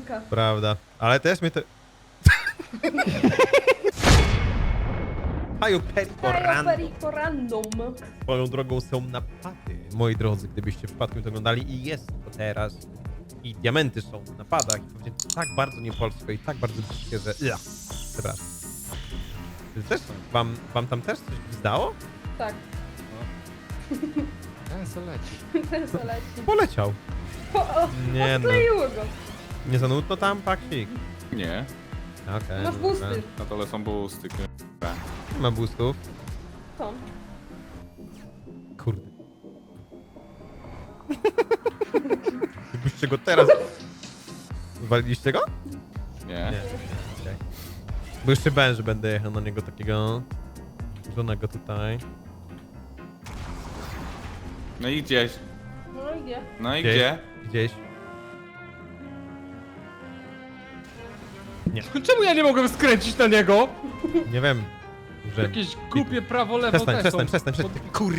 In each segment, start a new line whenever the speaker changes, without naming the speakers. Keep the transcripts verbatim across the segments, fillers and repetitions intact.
Pełzanka.
Prawda. Ale też mnie to... Haju Perico
Kajo
Random.
Perico Random.
Swoją drogą są napady, moi drodzy, gdybyście przypadkiem to oglądali i jest to teraz. I diamenty są w napadach i powiedziałem tak bardzo niepolsko i tak bardzo brzydkie, że... Ja. Przepraszam. Wy też są? Wam, wam tam też coś zdało?
Tak,
Ten co leci.
ten co leci.
Poleciał.
O, o,
Nie no.
odkleiło go.
Nie za nudno tam, paksik?
Nie,
Okej.
Masz
dobra.
busty.
na dole są boosty.
Nie ma boostów.
Są.
Kurde. Gdybyście go teraz... Waliliście go?
Nie.
Nie. Okay. Bo jeszcze będzie, będę jechał na niego takiego... żonego tutaj.
No i gdzieś.
No i gdzie?
No i
Gdzieś.
gdzie?
Gdzieś.
Czemu ja nie mogłem skręcić na niego?
Nie wiem. Że...
Jakieś głupie prawo, lewo
Przestań,
te
przestań,
są.
przestań, przestań. Kur...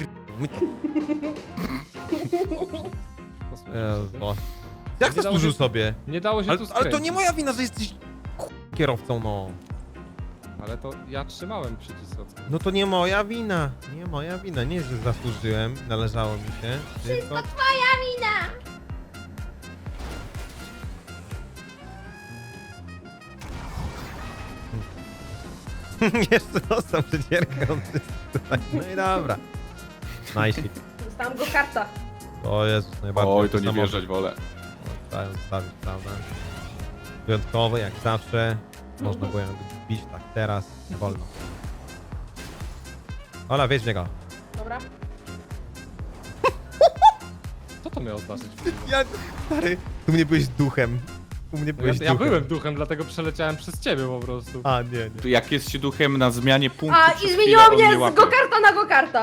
Jezu. Jak
Nie dało
zasłużył
się-
sobie?
Nie dało się
Ale,
tu
ale
skręcić.
to nie moja wina, że jesteś ku- kierowcą, no.
Ale to ja trzymałem przycisk od...
No to nie moja wina. Nie moja wina. Nie, że zasłużyłem, należało mi się. Tylko...
Twoja wina!
Jeszcze dostał przecierkę od tutaj. No i dobra. Nice.
Dostałam go karta.
O Jezus, najbardziej.
Oj, to nie
samochód.
wjeżdżać wolę.
Trzeba ją zostawić, prawda? Wyjątkowy, jak zawsze. Można było ją bić tak teraz. Nie wolno. Ola, wiedź w niego.
Dobra.
Co to miało znaczyć?
Ja, stary, u mnie byłeś duchem. U mnie
Ja,
byłeś
ja
duchem.
byłem duchem, dlatego przeleciałem przez ciebie po prostu.
A, nie, nie.
Tu jak jest się duchem na zmianie punktu,
A,
przez
i
chwilę
zmieniło
on nie
mnie z
łapie.
go-karta na go-karta.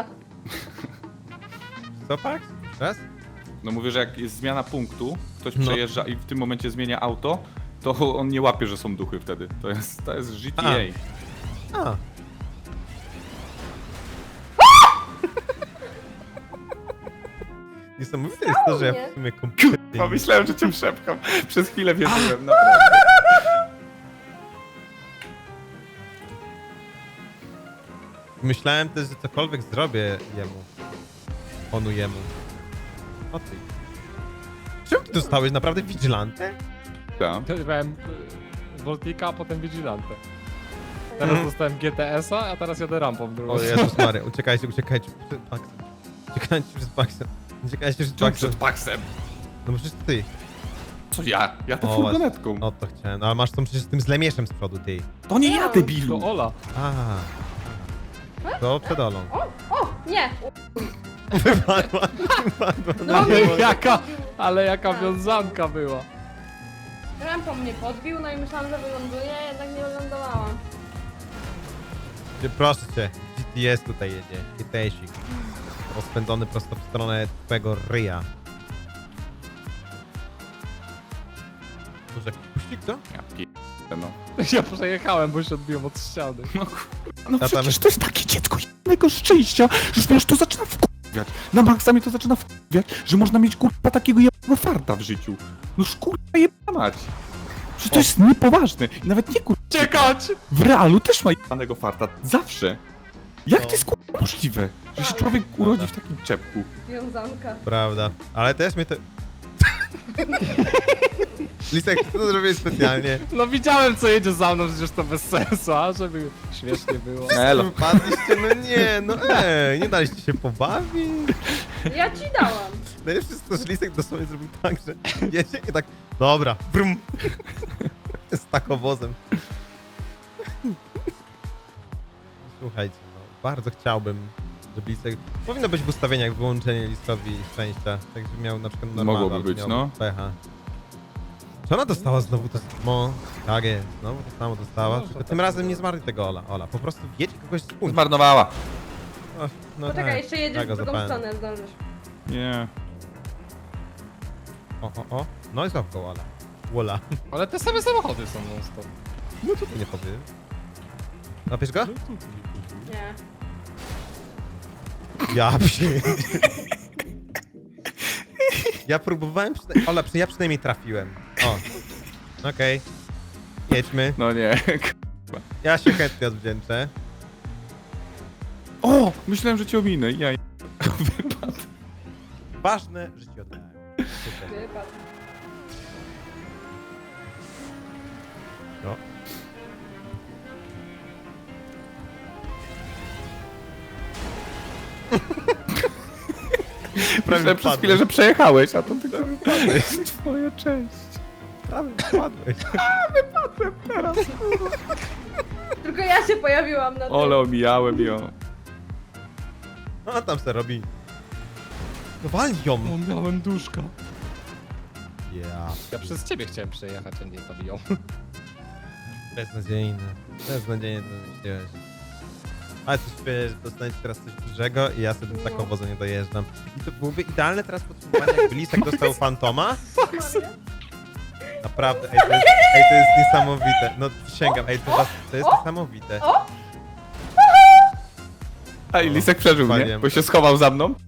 Co, Pax? Raz?
No mówię, że jak jest zmiana punktu, ktoś
No.
przejeżdża i w tym momencie zmienia auto, to on nie łapie, że są duchy wtedy. To jest, to jest G T A.
A. A. Niesamowite jest to, że ja w sumie kompletnie...
Kurwa, myślałem, że cię przepcham. Przez chwilę wierzyłem, naprawdę.
Myślałem też, że cokolwiek zrobię jemu. Onu jemu. O ty. Czemu ty dostałeś naprawdę vigilantę?
Tak.
Byłem y, Voltika, a potem Vigilante. Teraz dostałem G T S-a, a teraz jadę rampą drugą.
O Jezus Mary, uciekajcie, uciekajcie przed Paxem. Uciekajcie przed Paxem. Uciekajcie przed
Czemu
Paxem.
przed Paxem?
No bo przecież ty.
Co ja? Ja to
O,
furgonetką.
O to chciałem, no ale masz tą przecież z tym zlemieszem z przodu, ty.
To nie ja,
To
debilu.
Ola.
A. To przed Olą.
O, o, nie.
Wypadła, wypadła.
No
na
nie.
dół.
Jaka, ale jaka
Tak.
wiązanka była.
Rampą mnie podbił, no i myślałam, że wyląduję, jednak nie wylądowałam.
Ty, proszę cię, G T S tutaj jedzie. G T S-ik. Rozpędzony prosto w stronę twojego ryja. Może jakiś puścik, co?
Ja pierdolę, no.
Ja przejechałem, bo się odbiłem od ściany.
No, kurwa, no
tam-
przecież to jest takie dziecko jednego szczęścia, że wiesz, to zaczyna wkurwiać. Na maksa mnie to zaczyna wkurwiać, że można mieć kurwa takiego jebanego farta w życiu. No kurwa jebana mać. Przecież to jest niepoważne. I nawet nie kurwa.
Czekać!
W realu też ma jebanego farta. Zawsze. Jak
No.
to jest kurwa możliwe, że się człowiek urodzi w takim czepku?
Wiązanka.
Prawda. Ale też mnie to... Lisek, ty to zrobiłeś specjalnie.
No widziałem, co jedzie za mną, przecież to bez sensu, a żeby śmiesznie było.
Elo.
Wypadliście, no nie, no ej, nie daliście się pobawić.
Ja ci dałam.
Najlepsze jest to, że Lisek dosłownie zrobił tak, że jedzie i tak, dobra, brum. Z takowozem. Słuchajcie, no, bardzo chciałbym, żeby Lisek... Powinno być w ustawieniach wyłączenie Liskowi szczęścia, tak żeby miał na przykład normalne,
Mogłoby być, no.
pecha. Czy ona dostała znowu to samo? Tak jest, znowu to samo dostała,
Może
tylko
tak
tym razem
było.
nie zmarli tego Ola. Ola, po prostu jedź kogoś z punktu.
Zmarnowała.
No, no
Poczekaj,
tak,
jeszcze jedziesz
tak
w
go
drugą
zapałem.
stronę, zdążysz.
Nie.
O, o, o. No i znowu Ola. Wola.
Ale te same samochody są non stop.
No to ty nie powiem. Napisz go?
Nie.
Ja przy... Ja próbowałem, przyna... Ola, przy... ja przynajmniej trafiłem. O. Okej. Jedźmy.
No nie.
Ja się chętnie odwdzięczę.
O! Myślałem, że cię ominę. Ja wypadł.
Ważne, że ci oddałem. Super.
Wypadł.
No.
Myślałem przez chwilę, że przejechałeś, a to tylko wypadłeś. Twoja część.
Prawie wpadłeś.
Tylko ja się pojawiłam na tym.
Ole, omijałem ją.
No tam se robi. No wal ją.
miałem duszka.
Ja.
Ja przez ciebie chciałem przejechać, a nie tobie ją.
Beznadziejne. Beznadziejnie to wymyśliłeś. Ale coś czuję, że dostaniecie teraz coś dużego i ja sobie do taką wozę nie dojeżdżam. I to byłoby idealne teraz podsumowanie, jakby Lisek dostał Fantoma. Naprawdę, ej to, jest, ej, to jest niesamowite. No przysięgam, ej, to, was, to jest niesamowite.
A i Lisek przeżył, nie?
Waliłem.
Bo się schował za mną.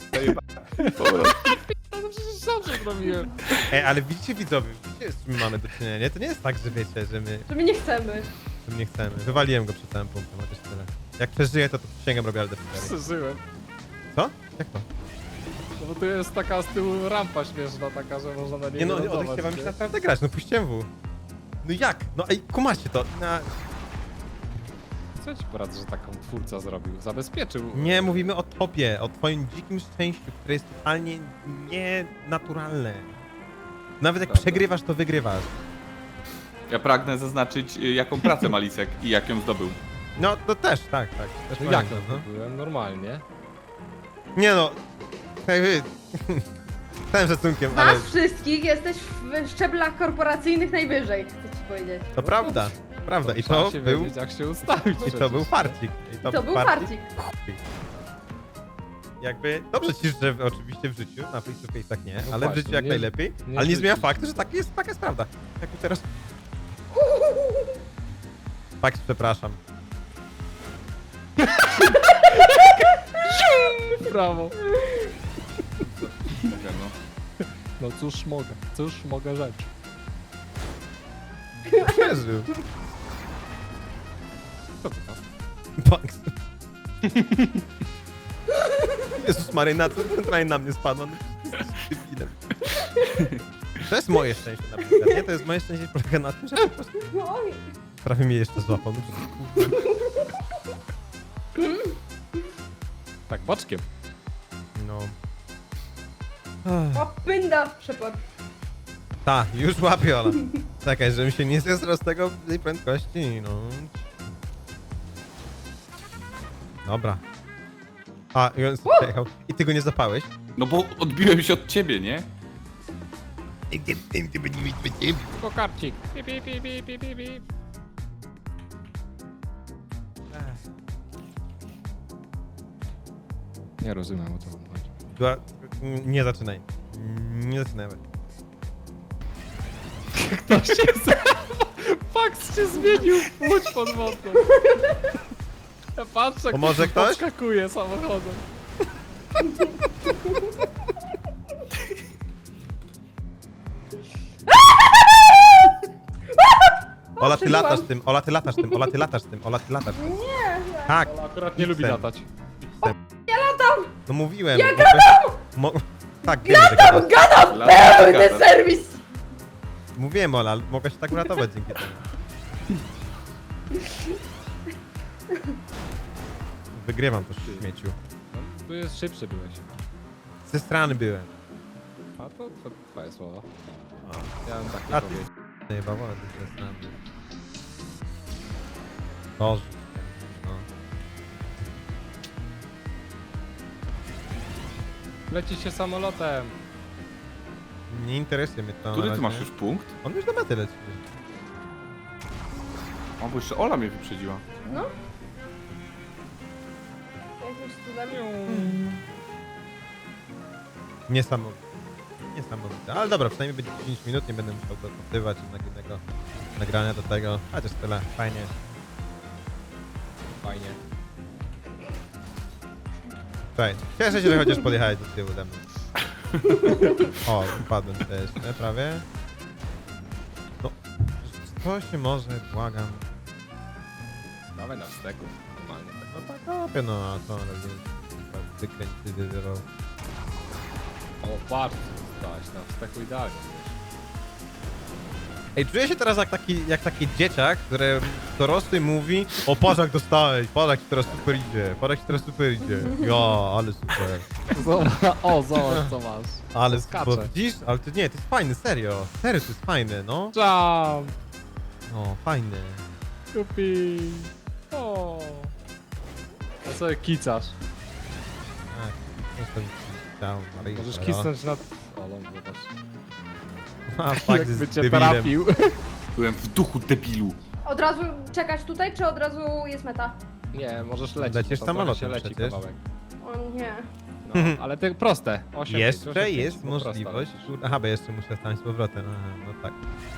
No przecież dobrze zrobiłem.
Ej, ale widzicie widzowie, widzicie z czym mamy do czynienia, nie? To nie jest tak, że wiecie, że my,
Że my nie chcemy.
że my nie chcemy. Wywaliłem go przed całym punktem, chociaż tyle. Jak przeżyję, to, to przysięgam robię Aldę
Przeżyłem.
Co? Jak to?
No bo tu jest taka z tyłu rampa śmieszna, taka, że można na niej
Nie no,
wylądować,
odechciewa mi się
nie?
naprawdę grać, no puściłem W. No jak? No ej, kumacie to. Na...
Co ci poradzę, że taką twórca zrobił? Zabezpieczył.
Nie, mówimy o tobie, o twoim dzikim szczęściu, które jest totalnie nienaturalne. Nawet jak
Prawda.
przegrywasz, to wygrywasz.
Ja pragnę zaznaczyć, y, jaką pracę ma Lisek i jak ją zdobył.
No, to też, tak, tak. Też
No jak
pamiętam,
to byłem? Normalnie.
Nie no, hej wy, z całym szacunkiem,
Nas
ale
wszystkich jesteś w szczeblach korporacyjnych najwyżej, chcę ci powiedzieć.
to prawda, prawda. I
Trzeba
to
się
był,
wiedzieć, jak się ustawić.
i to był farcik. I
To był farcik.
Jakby, dobrze ci życzę w- oczywiście w życiu, na face to face'ach nie,
No
ale w
właśnie,
życiu jak
nie-
najlepiej,
nie
ale nie zmienia
życzyć.
faktu, że tak jest, taka jest prawda. Jak mi teraz... Fakt, przepraszam.
Brawo.
Mogę, no.
No cóż mogę, cóż mogę rzecz.
Przeżył.
Co to tam?
Bugs. Jezus Maria, na co centralnie na mnie spadła? No, jesteś debilem. To jest moje szczęście na przykład, nie? To jest moje szczęście polega na tym, że po prostu
Oj.
prawie mnie jeszcze złapał. No,
Tak, boczkiem.
no.
O, pynda w przepad.
Ta, już łapię, Ola. Czekaj, żebym się nie zesrał z tego tej prędkości, no. Dobra. A, i on sobie przejechał. I ty go nie zapałeś?
No bo odbiłem się od ciebie, nie?
Tylko karcik. Pi, pi, pi, pi, pi, pi, pi. Nie rozumiem, o co wam chodzi.
Była... Nie zaczynaj. Nie zaczynaj.
To się Fakt się zmienił. Łódź pod wodą. Ja patrzę,
Pomoże
jak
ktoś?
podskakuje samochodem.
Ola, ty
przeżyłam.
latasz tym, Ola, ty latasz tym, Ola, ty latasz tym, Ola, ty latasz tym.
Nie,
Tak,
Ale akurat nie lubi
X-em.
latać.
no mówiłem.
Ja
Mogłeś- Mo... Tak, wiem, że gadasz.
gadam
Lata,
pełny
gada.
serwis!
Mówiłem, Ola, ale mogę się tak uratować dzięki temu. Wygrywam to śmieciu.
No, tu jest szybszy byłeś.
Ze strony byłem.
A to, to twoje słowa.
O,
Ja bym tak
A
nie
ty-
powiedział.
chyba wolę ze strony. Boże. No.
Leci się samolotem.
Nie interesuje mnie to. na
Który ty
razie.
masz już punkt?
On już na metę leci.
O, bo jeszcze Ola mnie wyprzedziła.
No. Jakimś cudem.
Niesamowite. Niesamowite. Ale dobra, przynajmniej będzie dziesięć minut, nie będę musiał dopytywać innego nagrania do tego. Chociaż tyle, fajnie.
Fajnie.
Słuchaj, cieszę się, że chociaż podjechałeś do tyłu ze mną. O, upadłem też, nie? Prawie. No, to się może, błagam.
Dawaj na wsteku. Normalnie tak.
No tak robię, no a co robię? Wykręć, ty, ty, ty,
O, patrz, co dostałeś na wsteku idealnie.
Ej, czuję się teraz jak taki, jak taki dzieciak, który dorosły mówi: o, patrz jak dostałeś, patrz jak ci teraz super idzie, patrz jak ci teraz super idzie. Ja, ale super.
Zobacz, o, zobacz co masz.
Ale
Skacze.
bo widzisz? Ale to nie, to jest fajne, serio. Serio, to jest fajne, no.
Jump!
No, fajne.
Kupi! O! A co kicasz?
Tak, jestem chciał, ale
Możesz
dobra.
kisnąć na... O, no zobacz.
A, fakt,
Jakby
jest
cię
debilem.
trafił.
Byłem w duchu debilu.
Od razu czekać tutaj, czy od razu jest meta?
Nie, możesz lecieć.
Lecisz
bo tam
samolotem
trochę się leci
przecież.
kawałek.
O nie.
No, ale te proste. osiem,
Jeszcze
osiem,
jest
pięć, po prostu
możliwość.
lecisz.
Kur- Aha, bo jeszcze muszę stanąć z powrotem. Aha, no tak.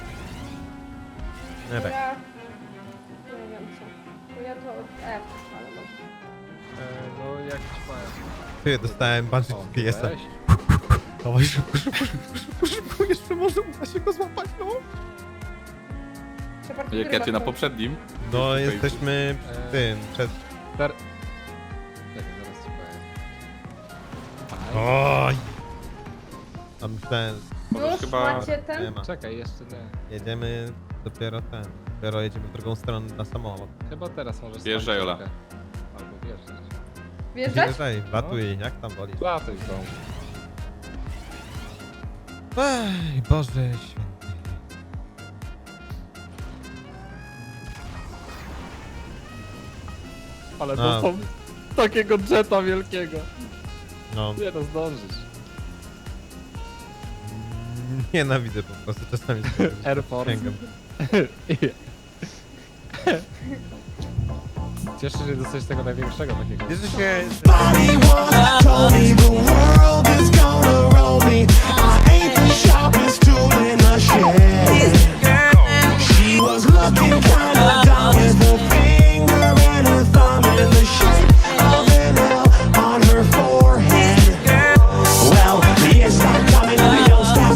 To
No tak.
ja... Nie wiem co. To ja to od F, ale może.
E, no jak ci powiem.
Ty, dostałem Banshee
O,
G P S-a.
weź.
Dawaj szybko, szybko, szybko, szybko, szybko, jeszcze może uda się go złapać, no.
Shepard,
Jak
który
ja cię na
masz?
poprzednim.
No,
Tutaj-
jesteśmy
Eee.
przy tym, przed...
Ter... Czekaj, zaraz ci powiem.
Oj! A myślałem,
Możesz
Już
chyba-
macie ten?
nie ma.
Czekaj, jeszcze nie.
Jedziemy dopiero ten. Dopiero jedziemy w drugą stronę na samolot.
Chyba teraz możesz...
Wjeżdżaj,
stać
Ola.
trochę. Albo wjeżdżać.
Wjeżdżać?
Wjeżdżaj, latuj, jak tam wolisz.
Latuj w domu.
Ej, Boże święty.
Ale
A.
to są takiego jeta wielkiego.
No,
Nie no, zdążysz.
nienawidzę po prostu czasami.
Air Force.
Sięgam.
Cieszę się, że dostałeś tego największego takiego.
Bierze się...
Body once told me the world is gonna roll me. I ain't the sharpest tool